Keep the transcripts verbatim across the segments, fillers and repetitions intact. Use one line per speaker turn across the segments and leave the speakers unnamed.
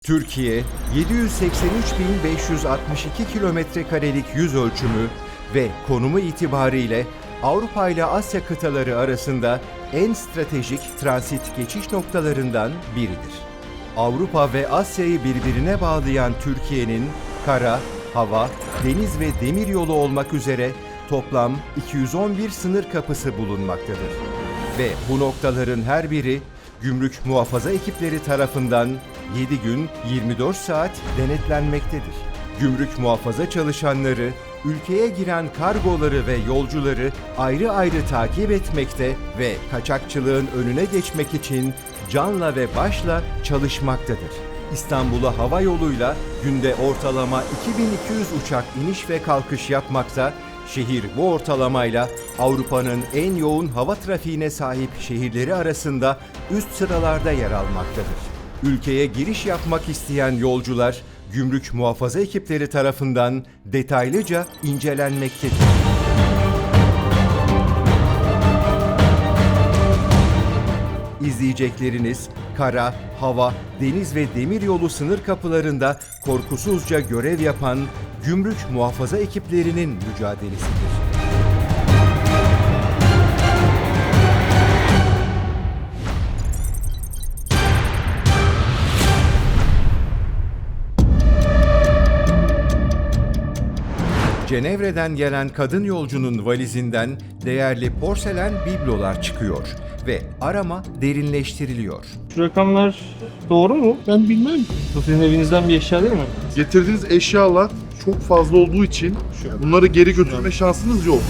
Türkiye, yedi yüz seksen üç bin beş yüz altmış iki kilometre karelik yüz ölçümü ve konumu itibariyle Avrupa ile Asya kıtaları arasında en stratejik transit geçiş noktalarından biridir. Avrupa ve Asya'yı birbirine bağlayan Türkiye'nin kara, hava, deniz ve demir yolu olmak üzere toplam iki yüz on bir sınır kapısı bulunmaktadır. Ve bu noktaların her biri gümrük muhafaza ekipleri tarafından yedi gün yirmi dört saat denetlenmektedir. Gümrük muhafaza çalışanları ülkeye giren kargoları ve yolcuları ayrı ayrı takip etmekte ve kaçakçılığın önüne geçmek için canla ve başla çalışmaktadır. İstanbul'a hava yoluyla günde ortalama iki bin iki yüz uçak iniş ve kalkış yapmakta, şehir bu ortalamayla Avrupa'nın en yoğun hava trafiğine sahip şehirleri arasında üst sıralarda yer almaktadır. Ülkeye giriş yapmak isteyen yolcular, gümrük muhafaza ekipleri tarafından detaylıca incelenmektedir. İzleyecekleriniz, kara, hava, deniz ve demiryolu sınır kapılarında korkusuzca görev yapan gümrük muhafaza ekiplerinin mücadelesidir. Cenevre'den gelen kadın yolcunun valizinden değerli porselen biblolar çıkıyor ve arama derinleştiriliyor.
Şu rakamlar doğru mu?
Ben bilmem.
Bu sizin evinizden bir eşya değil mi?
Getirdiğiniz eşyalar çok fazla olduğu için bunları geri götürme şansınız yok.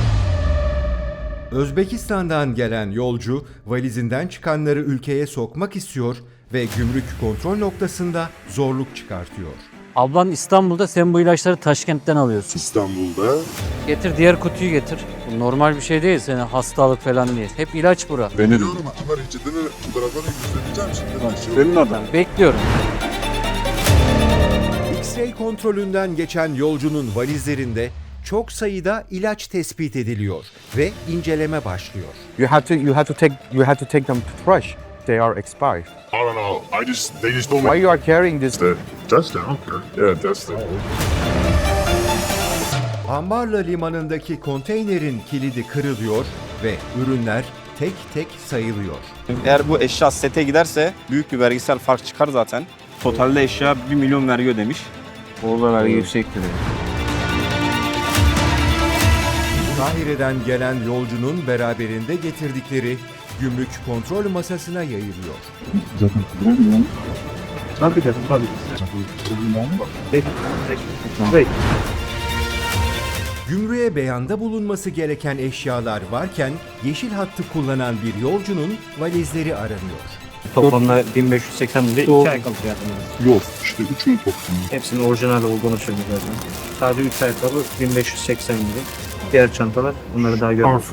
Özbekistan'dan gelen yolcu valizinden çıkanları ülkeye sokmak istiyor ve gümrük kontrol noktasında zorluk çıkartıyor.
Ablan İstanbul'da, sen bu ilaçları Taşkent'ten alıyorsun.
İstanbul'da.
Getir diğer kutuyu getir. Bu normal bir şey değil, senin hastalık falan değil. Hep ilaç bura.
Benim.
Ama reçeteni fotoğraflarını göstereceğim şimdi.
Senin oradan.
Bekliyorum.
X-ray kontrolünden geçen yolcunun valizlerinde çok sayıda ilaç tespit ediliyor ve inceleme başlıyor.
You have to you have to take you have to take them to trash. They are expired.
I don't know. I just they just told
Why
me
you are carrying this?
to test it. Okay. Yeah, test it.
Ambarla limanındaki konteynerin kilidi kırılıyor ve ürünler tek tek sayılıyor.
Eğer bu eşya sete giderse büyük bir vergisel fark çıkar zaten. Totalde eşya bir milyon vergi ödemiş.
Orada vergi yüksektir.
Kahire'den gelen yolcunun beraberinde getirdikleri gümrük kontrol masasına yayılıyor. Gümrüğe beyanda bulunması gereken eşyalar varken yeşil hattı kullanan bir yolcunun valizleri aranıyor.
Toplamda bin beş yüz seksen lira iki ayakkabı fiyatında.
Yok işte üçünü topluyor.
Hepsinin orijinal olduğunu söylüyor zaten. Sadece üç ayakkabı bin beş yüz seksen lira. Diğer çantalar bunları daha görmedim.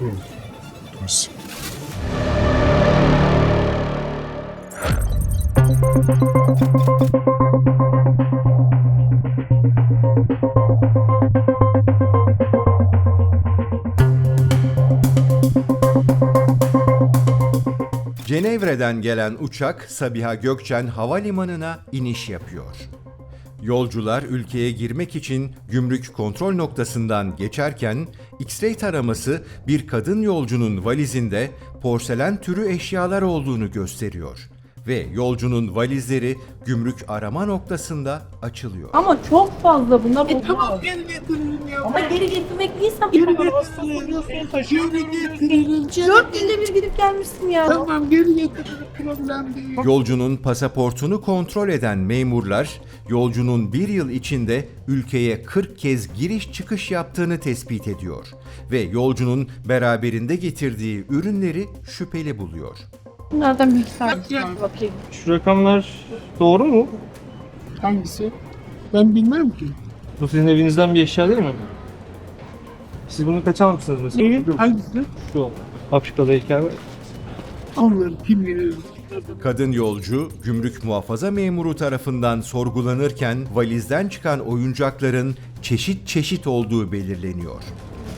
Cenevre'den gelen uçak Sabiha Gökçen Havalimanı'na iniş yapıyor. Yolcular ülkeye girmek için gümrük kontrol noktasından geçerken X-ray taraması bir kadın yolcunun valizinde porselen türü eşyalar olduğunu gösteriyor ve yolcunun valizleri gümrük arama noktasında açılıyor.
Ama çok fazla bunlar.
E tamam geri getirelim ya.
Ama geri getirmek değilsem
Geri getirelim. Geri getirelim.
dört günde bir gidip gelmişsin ya.
Tamam geri getirelim. Problem değil.
Yolcunun pasaportunu kontrol eden memurlar, yolcunun bir yıl içinde ülkeye kırk kez giriş çıkış yaptığını tespit ediyor ve yolcunun beraberinde getirdiği ürünleri şüpheli buluyor.
Bunlardan bir tanesi bakayım.
Şu rakamlar doğru mu?
Hangisi? Ben bilmem ki.
Bu sizin evinizden bir eşya değil mi? Siz bunu kaç almışsınız mesela?
İyi. Hangisi?
Şu Afrika'da heykel var.
Onları kim bilir?
Kadın yolcu, gümrük muhafaza memuru tarafından sorgulanırken valizden çıkan oyuncakların çeşit çeşit olduğu belirleniyor.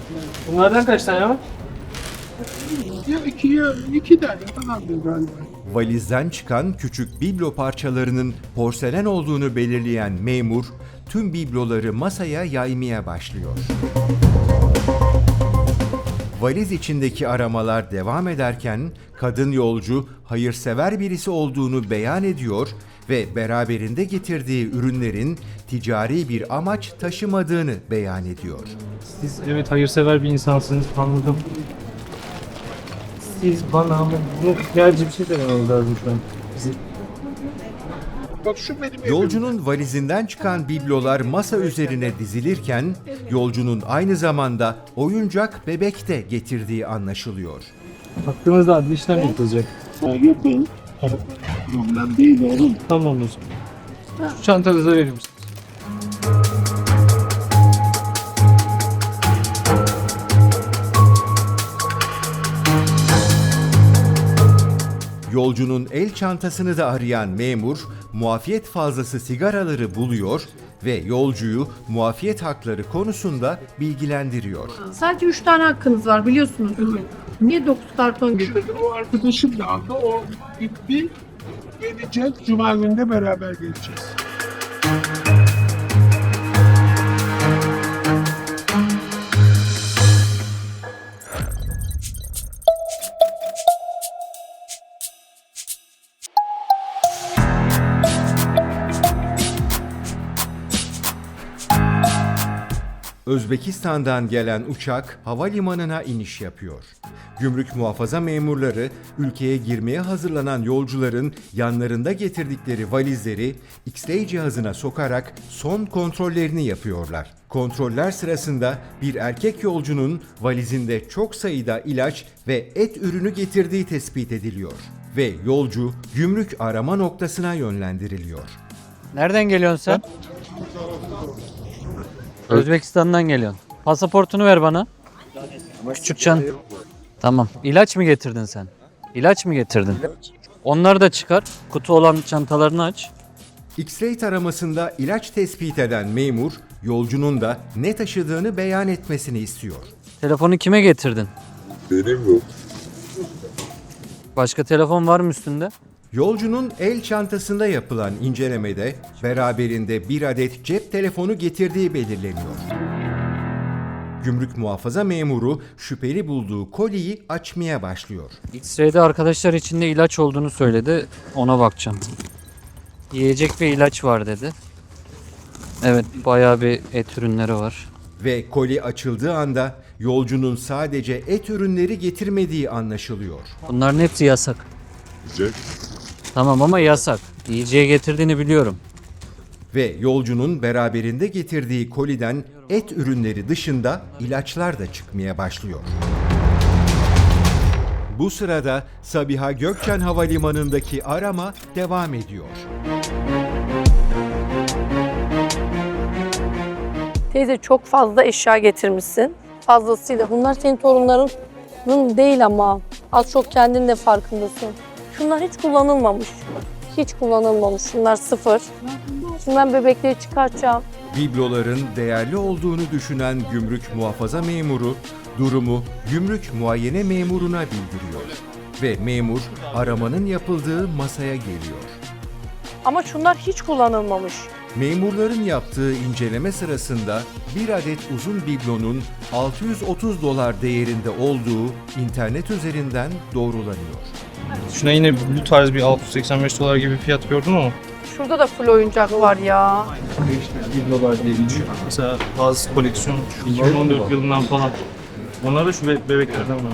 Bunlardan kaç tane var?
Ya iki ya iki tane falandır galiba.
Valizden çıkan küçük biblo parçalarının porselen olduğunu belirleyen memur, tüm bibloları masaya yaymaya başlıyor. Valiz içindeki aramalar devam ederken kadın yolcu hayırsever birisi olduğunu beyan ediyor ve beraberinde getirdiği ürünlerin ticari bir amaç taşımadığını beyan ediyor.
Siz evet hayırsever bir insansınız, anladım. Siz bana ama bunu gerçi bir şey dememiz lazım şu an. Bizi...
Bak şu benim
Yolcunun valizinden çıkan biblolar masa üzerine dizilirken yolcunun aynı zamanda oyuncak bebek de getirdiği anlaşılıyor.
Hakkınızda adli işlem yapılacak.
Yapın. Ondan değil oğlum.
Tamam o zaman. Şu çantanızı verir misiniz?
Yolcunun el çantasını da arayan memur, muafiyet fazlası sigaraları buluyor ve yolcuyu muafiyet hakları konusunda bilgilendiriyor.
Sadece üç tane hakkınız var biliyorsunuz değil mi? Niye dokuz karton gibi?
O arkadaşım da aldı. O gitti. Gelecek. Cuma günde beraber geleceğiz.
Özbekistan'dan gelen uçak havalimanına iniş yapıyor. Gümrük muhafaza memurları ülkeye girmeye hazırlanan yolcuların yanlarında getirdikleri valizleri X-ray cihazına sokarak son kontrollerini yapıyorlar. Kontroller sırasında bir erkek yolcunun valizinde çok sayıda ilaç ve et ürünü getirdiği tespit ediliyor ve yolcu gümrük arama noktasına yönlendiriliyor.
Nereden geliyorsun sen? Özbekistan'dan geliyorsun. Pasaportunu ver bana. Küçük çan. Tamam. İlaç mı getirdin sen? İlaç mı getirdin? Onları da çıkar. Kutu olan çantalarını aç.
X-ray taramasında ilaç tespit eden memur, yolcunun da ne taşıdığını beyan etmesini istiyor.
Telefonu kime getirdin?
Benim yok.
Başka telefon var mı üstünde?
Yolcunun el çantasında yapılan incelemede beraberinde bir adet cep telefonu getirdiği belirleniyor. Gümrük muhafaza memuru şüpheli bulduğu koliyi açmaya başlıyor.
X-ray'de arkadaşlar içinde ilaç olduğunu söyledi. Ona bakacağım. Yiyecek ve ilaç var dedi. Evet, bayağı bir et ürünleri var.
Ve koli açıldığı anda yolcunun sadece et ürünleri getirmediği anlaşılıyor.
Bunların hepsi yasak.
Güzel.
Tamam ama yasak. Yiyeceği getirdiğini biliyorum.
Ve yolcunun beraberinde getirdiği koliden et ürünleri dışında ilaçlar da çıkmaya başlıyor. Bu sırada Sabiha Gökçen Havalimanı'ndaki arama devam ediyor.
Teyze çok fazla eşya getirmişsin. Fazlasıyla. Bunlar senin torunlarının değil ama. Az çok kendin de farkındasın. Şunlar hiç kullanılmamış. Hiç kullanılmamış. Şunlar sıfır. Şimdi ben bebekleri çıkartacağım.
Bibloların değerli olduğunu düşünen gümrük muhafaza memuru durumu gümrük muayene memuruna bildiriyor. Ve memur aramanın yapıldığı masaya geliyor.
Ama şunlar hiç kullanılmamış.
Memurların yaptığı inceleme sırasında bir adet uzun biblonun altı yüz otuz dolar değerinde olduğu internet üzerinden doğrulanıyor.
Şuna yine bu tarz bir altı yüz seksen beş dolar gibi bir fiyat gördüm ama.
Şurada da full oyuncak var ya.
bir dolar diye geçiyor. Mesela bazı koleksiyon iki bin on dört yılından falan. Onlar da şu be- bebeklerden var.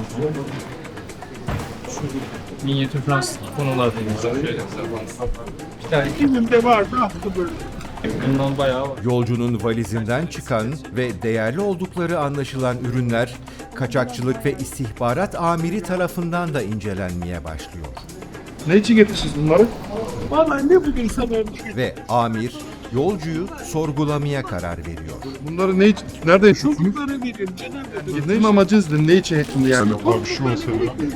Şu minyatür Fransız konular da geçiyor. Yani
Kimimde vardı attı böyle.
bundan bayağı var.
Yolcunun valizinden çıkan ve değerli oldukları anlaşılan ürünler kaçakçılık ve istihbarat amiri tarafından da incelenmeye başlıyor.
Ne için getirdiniz bunları?
Vallahi ne bulursa ben
Ve amir yolcuyu sorgulamaya karar veriyor.
Bunları ne için? Nerede yaşıyorsunuz?
çocuklara verin canım.
Ne amacınız ne? Ne için hepsini yani?
Abi şu mesela.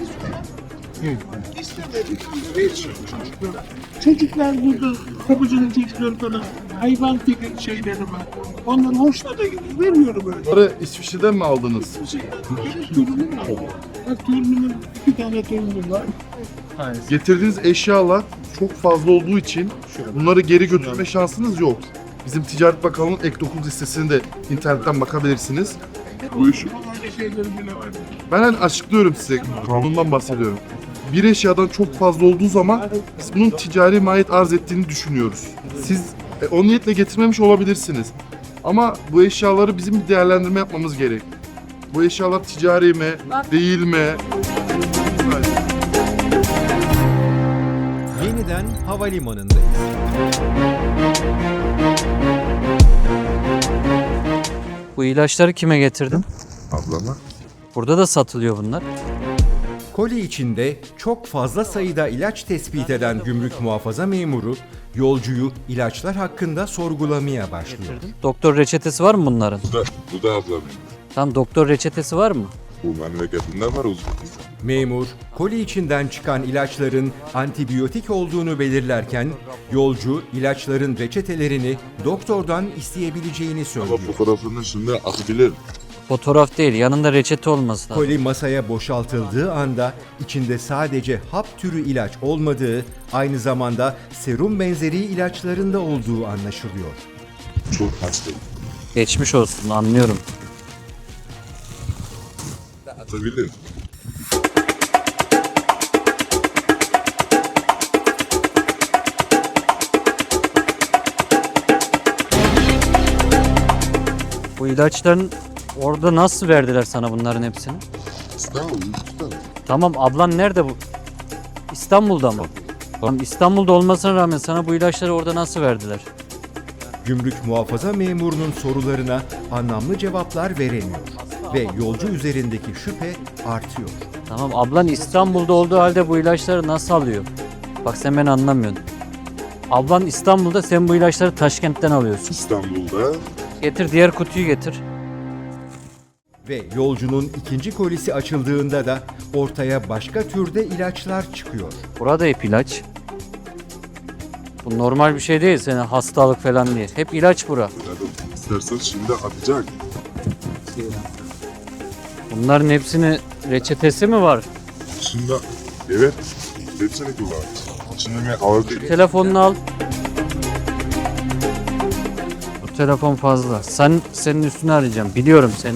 İstemedik. Hiç çocuklar. Çocuklar burada. Kapıcının çocukları falan. Hayvan gibi şeyleri var. Onların hoşuna da gidiyor. Veriyorum öyle.
Bunları İsviçre'den mi aldınız?
Benim durumum var. Bak torunumun iki tane torunum var.
Aynen.
Getirdiğiniz eşyalar çok fazla olduğu için bunları geri götürme şansınız yok. Bizim Ticaret Bakanlığı'nın ek dokuz listesini de internetten bakabilirsiniz.
Bu işi
Öyle şeylerim bile var.
Ben hani açıklıyorum size, kanundan bahsediyorum. Bir eşyadan çok fazla olduğu zaman biz bunun ticari mahiyet arz ettiğini düşünüyoruz. Siz e, o niyetle getirmemiş olabilirsiniz. Ama bu eşyaları bizim bir değerlendirme yapmamız gerek. Bu eşyalar ticari mi, değil mi?
Yeniden havalimanındayız.
Bu ilaçları kime getirdin?
ablama.
Burada da satılıyor bunlar.
Koli içinde çok fazla sayıda ilaç tespit eden gümrük muhafaza memuru yolcuyu ilaçlar hakkında sorgulamaya başlıyor.
Doktor reçetesi var mı bunların?
Bu da, bu da ablam.
Tam doktor reçetesi var mı?
Bu memleketinden var Uzbekistan.
Memur, koli içinden çıkan ilaçların antibiyotik olduğunu belirlerken yolcu ilaçların reçetelerini doktordan isteyebileceğini
Ama
söylüyor.
fotoğrafının üstünde atabilir.
Fotoğraf değil, yanında reçete olması lazım.
Koli masaya boşaltıldığı anda içinde sadece hap türü ilaç olmadığı, aynı zamanda serum benzeri ilaçlarında olduğu anlaşılıyor.
Çok hastayım.
Geçmiş olsun, anlıyorum.
Atabilir.
Bu ilaçların orada nasıl verdiler sana bunların hepsini?
İstanbul, İstanbul.
Tamam, ablan nerede bu? İstanbul'da mı? Tamam, İstanbul'da olmasına rağmen sana bu ilaçları orada nasıl verdiler?
Gümrük muhafaza memurunun sorularına anlamlı cevaplar veremiyor ve yolcu üzerindeki şüphe artıyor.
Tamam, ablan İstanbul'da olduğu halde bu ilaçları nasıl alıyor? Bak sen beni anlamıyorsun. Ablan İstanbul'da, sen bu ilaçları Taşkent'ten alıyorsun.
İstanbul'da
Getir, diğer kutuyu getir.
Ve yolcunun ikinci kolisi açıldığında da ortaya başka türde ilaçlar çıkıyor.
Burada hep ilaç. Bu normal bir şey değil, senin hastalık falan diye. Hep ilaç bura.
dedim, istersen şimdi atacak.
Bunların hepsini reçetesi mi var?
Şimdi evet, hepsini kullan. Şimdi ben ağır değil.
Telefonunu al. Bu telefon fazla. Sen senin üstünü arayacağım. Biliyorum seni.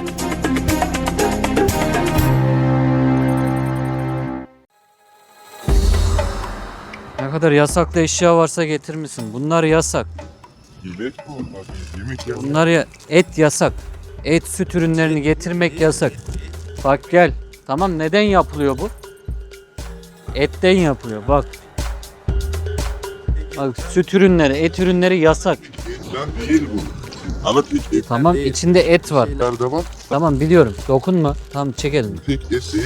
Ne kadar yasaklı eşya varsa getirmişsin. Bunlar yasak.
Yemek bu. Abi, yemek ya.
Bunlar ya et yasak. Et süt ürünlerini getirmek yasak. Bak gel. Tamam, neden yapılıyor bu? Etten yapılıyor. Bak. Bak, süt ürünleri, et ürünleri yasak.
Etten değil bu. Ama tek et.
Tamam, içinde et var.
Nerede var?
Tamam, biliyorum. Dokunma. Tamam, çekelim.
Tek et değil.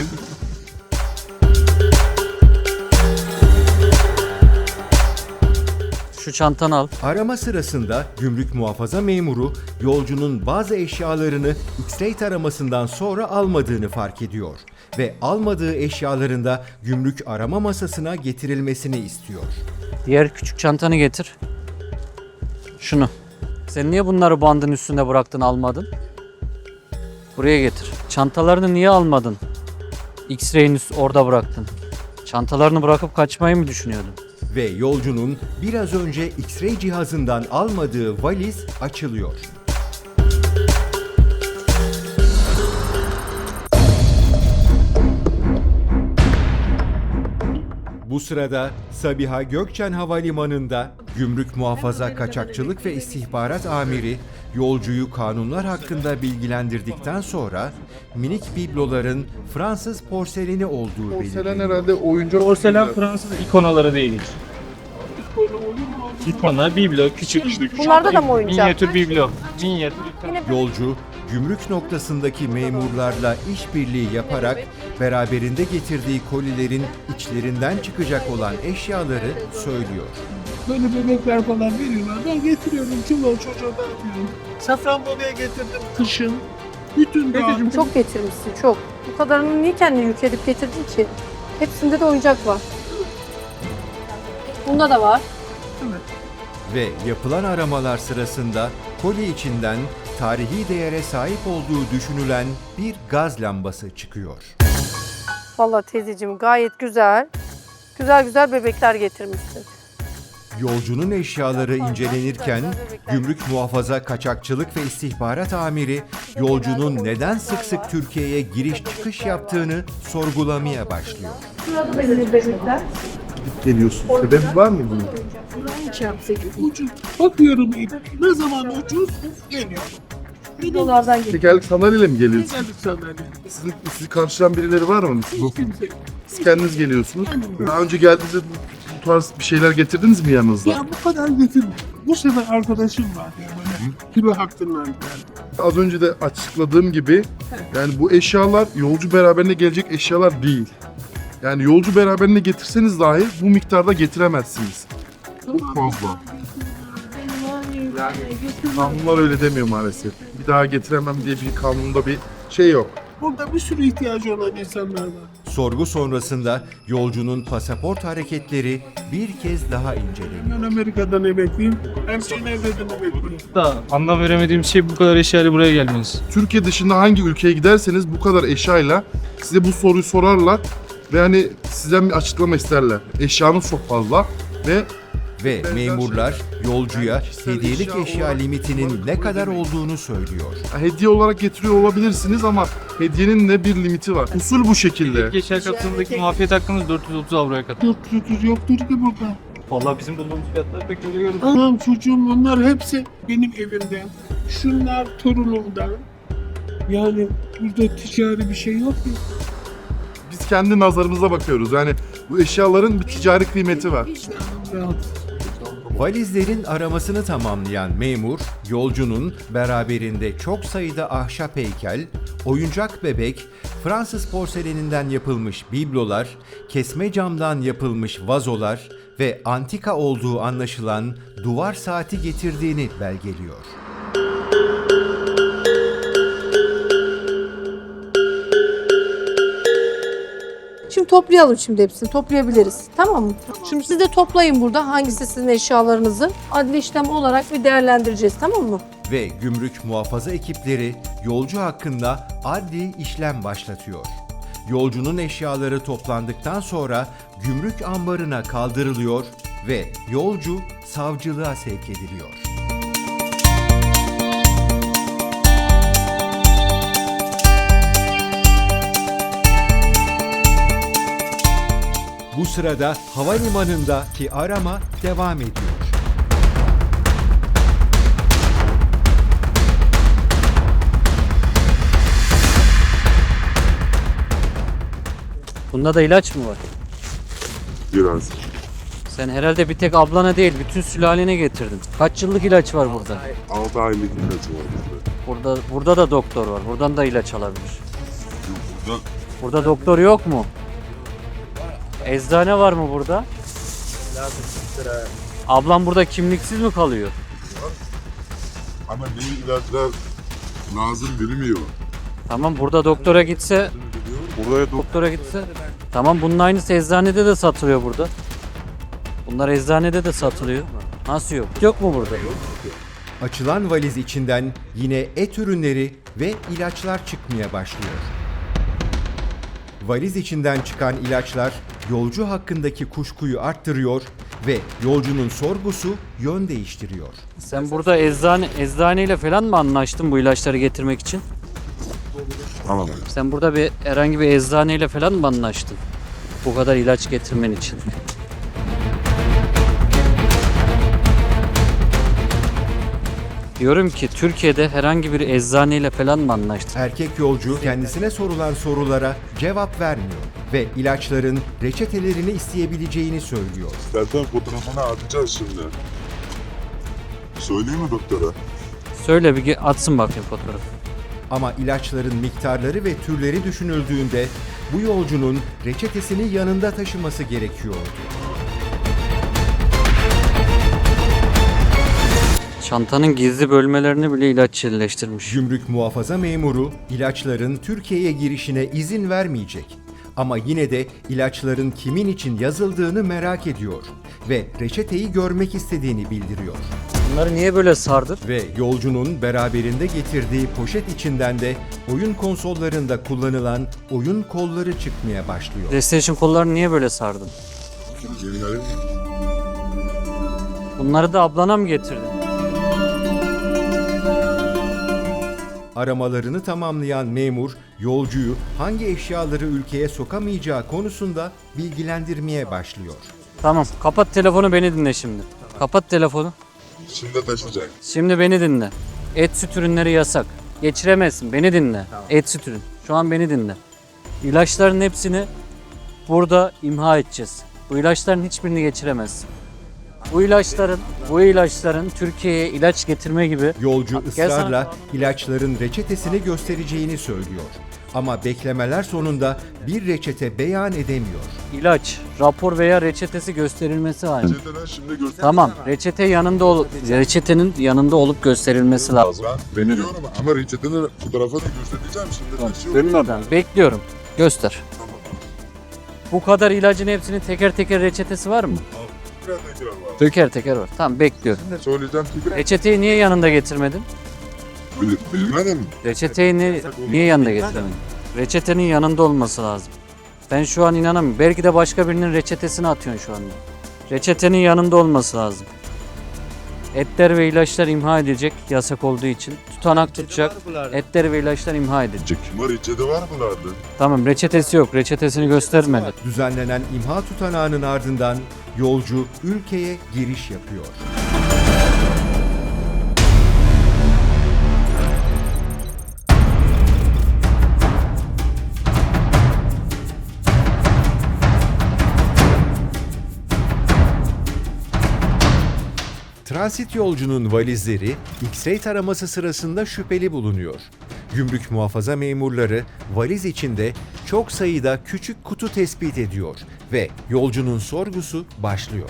Şu çantanı al.
Arama sırasında gümrük muhafaza memuru yolcunun bazı eşyalarını X-ray taramasından sonra almadığını fark ediyor ve almadığı eşyaların da gümrük arama masasına getirilmesini istiyor.
Diğer küçük çantanı getir. Şunu. Sen niye bunları bandın üstünde bıraktın, almadın? Buraya getir. Çantalarını niye almadın? X-ray'in üst- orada bıraktın. Çantalarını bırakıp kaçmayı mı düşünüyordun?
Ve yolcunun biraz önce X-ray cihazından almadığı valiz açılıyor. Bu sırada Sabiha Gökçen Havalimanı'nda Gümrük Muhafaza Kaçakçılık ve İstihbarat Amiri yolcuyu kanunlar hakkında bilgilendirdikten sonra minik bibloların Fransız porseleni olduğu
Porselen
belirleniyor.
herhalde oyuncak.
Porselen Fransız ikonaları değil hiç. İkona, biblo, küçük.
Bunlarda da mı oyuncak?
Minyatür biblo. Minyatür.
Yolcu, gümrük noktasındaki memurlarla işbirliği yaparak beraberinde getirdiği kolilerin içlerinden çıkacak olan eşyaları söylüyor.
Böyle bebekler falan veriyorlar. Ben getiriyorum. Çuval çocuğa dağıtıyorum. Safranbolu'ya getirdim kışın. Bütün dağıttım.
Çok getirmişsin, çok. Bu kadarını niye kendine yük edip getirdin ki? Hepsinde de oyuncak var. Bunda da var.
Ve yapılan aramalar sırasında koli içinden tarihi değere sahip olduğu düşünülen bir gaz lambası çıkıyor.
Vallahi teyzeciğim gayet güzel. Güzel güzel bebekler getirmişsin.
Yolcunun eşyaları incelenirken Gümrük Muhafaza Kaçakçılık ve İstihbarat Amiri yolcunun neden sık sık Türkiye'ye giriş çıkış yaptığını sorgulamaya başlıyor.
Şurada da yine bebekler.
Geliyorsun. Sebep var mı bunun?
Ucuz. Bakıyorum ne zaman ucuz geliyor.
Videolardan geliyor.
Tekerlek sandalyeyle mi geliyorsun?
Geldik sandalye.
Sizin, sizi karşılayan birileri var mı? Siz, bu-
Kimse.
siz kendiniz geliyorsunuz. Daha önce geldiğinizde bu, bu tarz bir şeyler getirdiniz mi yanınızda?
Ya bu kadar getirdim. Bu sefer arkadaşım var ya böyle. Kilo hakkından geldi.
Az önce de açıkladığım gibi yani bu eşyalar yolcu beraberine gelecek eşyalar değil. Yani yolcu beraberine getirseniz dahi bu miktarda getiremezsiniz. Çok fazla. Kanunlar öyle demiyor maalesef. Bir daha getiremem diye bir kanunda bir şey yok.
Burada bir sürü ihtiyacı olan insanlar var.
Sorgu sonrasında yolcunun pasaport hareketleri bir kez daha inceleniyor.
Ben Amerika'dan emekliyim. Hem Cenevre'den emekliyim.
Da anlam veremediğim şey bu kadar eşyayla buraya gelmeniz.
Türkiye dışında hangi ülkeye giderseniz bu kadar eşyayla size bu soruyu sorarlar ve hani sizden bir açıklama isterler. Eşyanız çok fazla ve
Ve memurlar yolcuya hediyelik eşya limitinin ne kadar olduğunu söylüyor.
hediye olarak getiriyor olabilirsiniz ama hediyenin de bir limiti var. Usul bu şekilde.
Geçer kapsamındaki muafiyet hakkınız dört yüz otuz avroya kadar.
dört yüz otuz yoktur ki burada.
Vallahi bizim bulduğumuz fiyatlar pek öyle görünmüyor.
Tamam çocuğum onlar hepsi benim evimden. Şunlar torunumdan. Yani burada ticari bir şey yok ki.
Biz kendi nazarımıza bakıyoruz. Yani bu eşyaların bir ticari kıymeti var.
Rahat.
Valizlerin aramasını tamamlayan memur, yolcunun beraberinde çok sayıda ahşap heykel, oyuncak bebek, Fransız porseleninden yapılmış biblolar, kesme camdan yapılmış vazolar ve antika olduğu anlaşılan duvar saati getirdiğini belgeliyor.
Şimdi toplayalım şimdi hepsini. Toplayabiliriz. Tamam mı? Şimdi siz de toplayın burada hangisi sizin eşyalarınızı. Adli işlem olarak bir değerlendireceğiz, tamam mı?
Ve gümrük muhafaza ekipleri yolcu hakkında adli işlem başlatıyor. Yolcunun eşyaları toplandıktan sonra gümrük ambarına kaldırılıyor ve yolcu savcılığa sevk ediliyor. Bu sırada havalimanındaki arama devam ediyor.
Bunda da ilaç mı var?
Biraz.
Sen herhalde bir tek ablana değil, bütün sülalene getirdin. Kaç yıllık ilaç var burada?
altı aylık ilacı var burada.
Burada burada da doktor var. Buradan da ilaç alabilir.
Burada
Burada doktor yok mu? Eczane var mı burada? Ablam burada kimliksiz mi kalıyor?
ama ne ilaçlar lazım bilmiyor.
Tamam, burada doktora gitse,
Buraya dok
doktora gitse. Tamam, bunun aynısı eczanede de satılıyor burada. Bunlar eczanede de satılıyor. Nasıl yok? Yok mu burada?
Açılan valiz içinden yine et ürünleri ve ilaçlar çıkmaya başlıyor. Valiz içinden çıkan ilaçlar yolcu hakkındaki kuşkuyu arttırıyor ve yolcunun sorgusu yön değiştiriyor.
Sen burada eczane eczaneyle falan mı anlaştın bu ilaçları getirmek için?
Tamam.
Sen burada bir herhangi bir eczaneyle falan mı anlaştın? Bu kadar ilaç getirmen için. Diyorum ki Türkiye'de herhangi bir eczaneyle falan mı anlaştın?
Erkek yolcu kendisine sorulan sorulara cevap vermiyor ve ilaçların reçetelerini isteyebileceğini söylüyor.
Zaten fotoğrafını atacağız şimdi. Söyleyeyim mi doktora?
Söyle bir ge- atsın bakayım fotoğrafı.
Ama ilaçların miktarları ve türleri düşünüldüğünde bu yolcunun reçetesini yanında taşıması gerekiyordu.
Çantanın gizli bölmelerini bile ilaç yerleştirmiş.
Gümrük muhafaza memuru ilaçların Türkiye'ye girişine izin vermeyecek. Ama yine de ilaçların kimin için yazıldığını merak ediyor ve reçeteyi görmek istediğini bildiriyor.
Bunları niye böyle sardın?
Ve yolcunun beraberinde getirdiği poşet içinden de oyun konsollarında kullanılan oyun kolları çıkmaya başlıyor.
PlayStation kollarını niye böyle sardın? Bunları da ablana mı getirdin?
Aramalarını tamamlayan memur, yolcuyu hangi eşyaları ülkeye sokamayacağı konusunda bilgilendirmeye başlıyor.
Tamam, kapat telefonu, beni dinle şimdi. Kapat telefonu.
Şimdi taşıyacak.
Şimdi beni dinle. Et süt ürünleri yasak. Geçiremezsin. Beni dinle. Et süt ürün. Şu an beni dinle. İlaçların hepsini burada imha edeceğiz. Bu ilaçların hiçbirini geçiremezsin. Bu ilaçların, bu ilaçların Türkiye'ye ilaç getirme gibi.
Yolcu
Gel sana-
ısrarla ilaçların reçetesini göstereceğini söylüyor. Ama beklemeler sonunda bir reçete beyan edemiyor.
ilaç, rapor veya reçetesi gösterilmesi lazım.
Reçeteden şimdi göster.
Tamam, reçete yanında ol, reçetenin yanında olup gösterilmesi lazım.
Ben biliyorum ama reçetenin fotoğrafı da göstereceğim şimdi. Taşıyor.
Tamam, bekliyorum. Göster. Bu kadar ilacın hepsinin teker teker reçetesi var mı?
Biraz tekrar var.
Teker teker var. Tamam, bekliyorum.
Söyleyeceğim ki
Reçeteyi niye yanında getirmedin?
bil, bilmedim.
Reçeteyi ni- niye yanında getirmedin? Reçetenin yanında olması lazım. Ben şu an inanamıyorum. Belki de başka birinin reçetesini atıyorsun şu anda. Reçetenin yanında olması lazım. Etler ve ilaçlar imha edilecek yasak olduğu için. Tutanak tutacak. Etler ve ilaçlar imha edilecek.
Ama reçete var bunlarda.
Tamam, reçetesi yok. Reçetesini göstermedi.
Düzenlenen imha tutanağının ardından yolcu ülkeye giriş yapıyor. Transit yolcunun valizleri X-ray taraması sırasında şüpheli bulunuyor. Gümrük muhafaza memurları valiz içinde çok sayıda küçük kutu tespit ediyor ve yolcunun sorgusu başlıyor.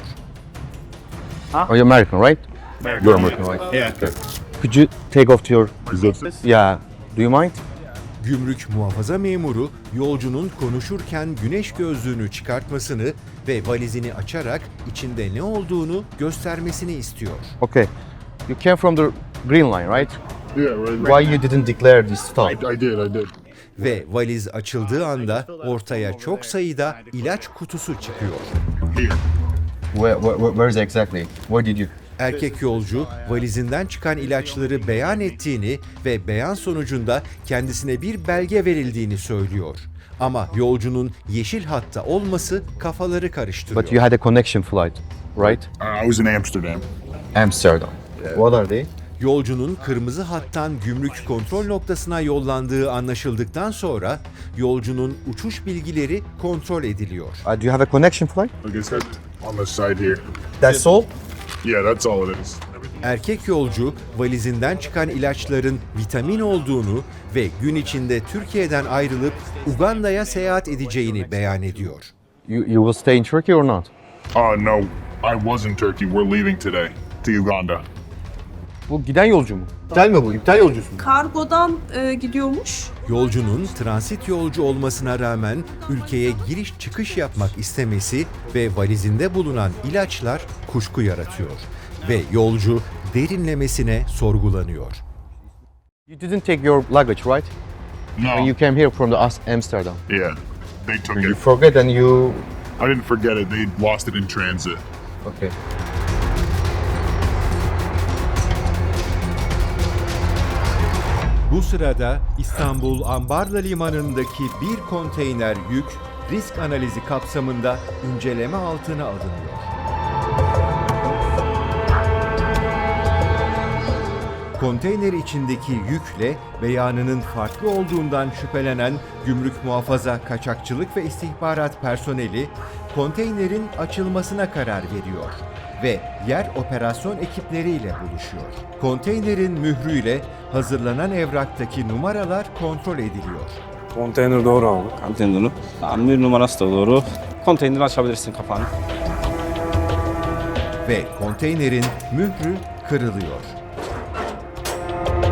Oh, you're American, right? You're American, right?
Yeah.
Could you take off your...
Is that
Yeah. Do you mind?
Gümrük muhafaza memuru yolcunun konuşurken güneş gözlüğünü çıkartmasını ve valizini açarak içinde ne olduğunu göstermesini istiyor.
Okay. You came from the green line, right?
Yeah, right.
Why you didn't declare this stuff?
I, I did, I did.
Ve valiz açıldığı anda ortaya çok sayıda ilaç kutusu çıkıyor.
Here.
Where, where, where is exactly? Where did you?
Erkek yolcu valizinden çıkan ilaçları beyan ettiğini ve beyan sonucunda kendisine bir belge verildiğini söylüyor. Ama yolcunun yeşil hatta olması kafaları karıştırıyor.
But you had a connection flight, right?
Uh, I was in Amsterdam.
Amsterdam. What are they?
Yolcunun kırmızı hattan gümrük kontrol noktasına yollandığı anlaşıldıktan sonra yolcunun uçuş bilgileri kontrol ediliyor.
Uh, do you have a connection flight?
Like I said, on the side here.
That's all?
Yeah, that's all it is.
Erkek yolcu valizinden çıkan ilaçların vitamin olduğunu ve gün içinde Türkiye'den ayrılıp Uganda'ya seyahat edeceğini beyan ediyor.
You, you will stay in Turkey or not?
Uh, no, I was in Turkey. We're leaving today to Uganda.
Bu giden yolcu mu? İptal mi bu? İptal yolcusu mu?
Kargodan e, gidiyormuş.
Yolcunun transit yolcu olmasına rağmen ülkeye giriş çıkış yapmak istemesi ve valizinde bulunan ilaçlar kuşku yaratıyor. Ve yolcu derinlemesine sorgulanıyor.
You didn't take your luggage, right? When
No.
you came here from the As- Amsterdam.
Yeah, they took
And you
it.
forget and you...
I didn't forget it. They lost it in transit.
Okay.
Bu sırada İstanbul Ambarla Limanı'ndaki bir konteyner yük risk analizi kapsamında inceleme altına alınıyor. Konteyner içindeki yükle beyanının farklı olduğundan şüphelenen Gümrük Muhafaza Kaçakçılık ve İstihbarat personeli konteynerin açılmasına karar veriyor ve yer operasyon ekipleriyle buluşuyor. Konteynerin mührüyle hazırlanan evraktaki numaralar kontrol ediliyor.
Konteyner doğru abi.
Konteyneri. Tamam, bir numarası da doğru. Konteyneri açabilirsin kapağını.
Ve konteynerin mührü kırılıyor.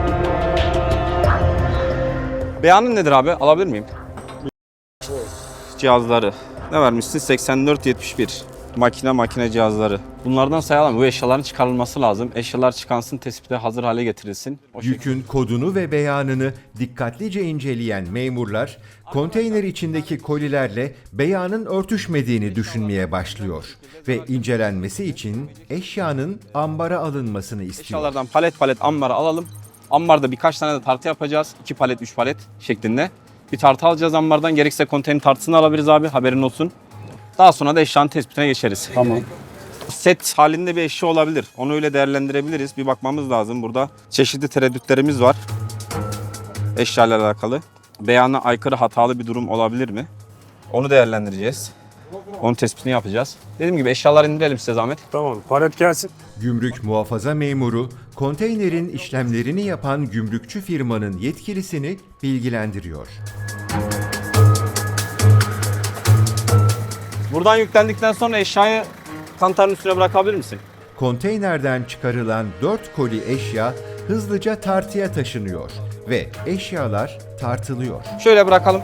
Beyanın nedir abi? Alabilir miyim? cihazları. Ne vermişsin? seksen dört yetmiş bir. Makine makine cihazları. Bunlardan sayalım. Bu eşyaların çıkarılması lazım. Eşyalar çıkansın, tespite hazır hale getirilsin. O
Yükün kodunu ve beyanını dikkatlice inceleyen memurlar, konteyner içindeki kolilerle beyanın örtüşmediğini düşünmeye başlıyor ve incelenmesi için eşyanın ambara alınmasını istiyor.
eşyalardan palet palet ambara alalım. Ambarda birkaç tane de tartı yapacağız. iki palet, üç palet şeklinde. Bir tartı alacağız ambardan. Gerekirse konteyner tartısını alabiliriz abi. Haberin olsun. Daha sonra da eşyanın tespitine geçeriz. Tamam. Set halinde bir eşya olabilir. Onu öyle değerlendirebiliriz. Bir bakmamız lazım. Burada çeşitli tereddütlerimiz var. Eşya ile alakalı. Beyana aykırı hatalı bir durum olabilir mi? Onu değerlendireceğiz. Onun tespitini yapacağız. Dediğim gibi eşyaları indirelim size zahmet.
Tamam, palet gelsin.
Gümrük muhafaza memuru, konteynerin işlemlerini yapan gümrükçü firmanın yetkilisini bilgilendiriyor.
Buradan yüklendikten sonra eşyayı kantarın üstüne bırakabilir misin?
Konteynerden çıkarılan dört koli eşya hızlıca tartıya taşınıyor ve eşyalar tartılıyor.
Şöyle bırakalım.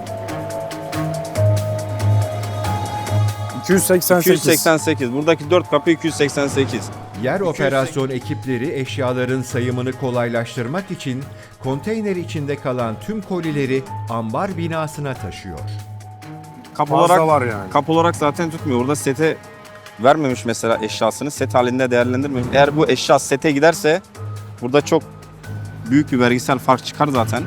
iki yüz seksen sekiz.
iki yüz seksen sekiz. Buradaki dört kapı iki yüz seksen sekiz.
Yer operasyon ekipleri eşyaların sayımını kolaylaştırmak için konteyner içinde kalan tüm kolileri ambar binasına taşıyor.
Kap
Fazla
olarak,
var yani.
kap olarak zaten tutmuyor. Burada sete vermemiş mesela eşyasını. Set halinde değerlendirmemiş. Eğer bu eşya sete giderse burada çok büyük bir vergisel fark çıkar zaten.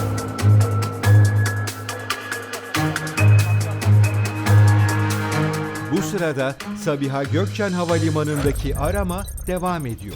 Bu sırada Sabiha Gökçen Havalimanı'ndaki arama devam ediyor.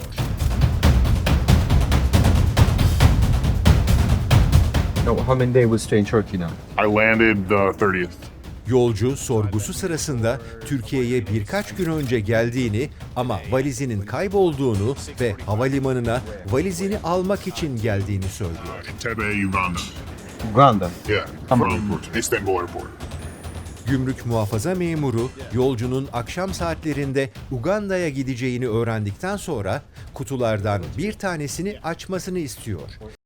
No, how many days will stay in Turkey now?
I landed the thirtieth.
Yolcu sorgusu sırasında Türkiye'ye birkaç gün önce geldiğini ama valizinin kaybolduğunu ve havalimanına valizini almak için geldiğini söylüyor.
Entebbe, Uganda.
Uganda.
Yeah, from Istanbul Airport.
Gümrük muhafaza memuru yolcunun akşam saatlerinde Uganda'ya gideceğini öğrendikten sonra kutulardan bir tanesini açmasını istiyor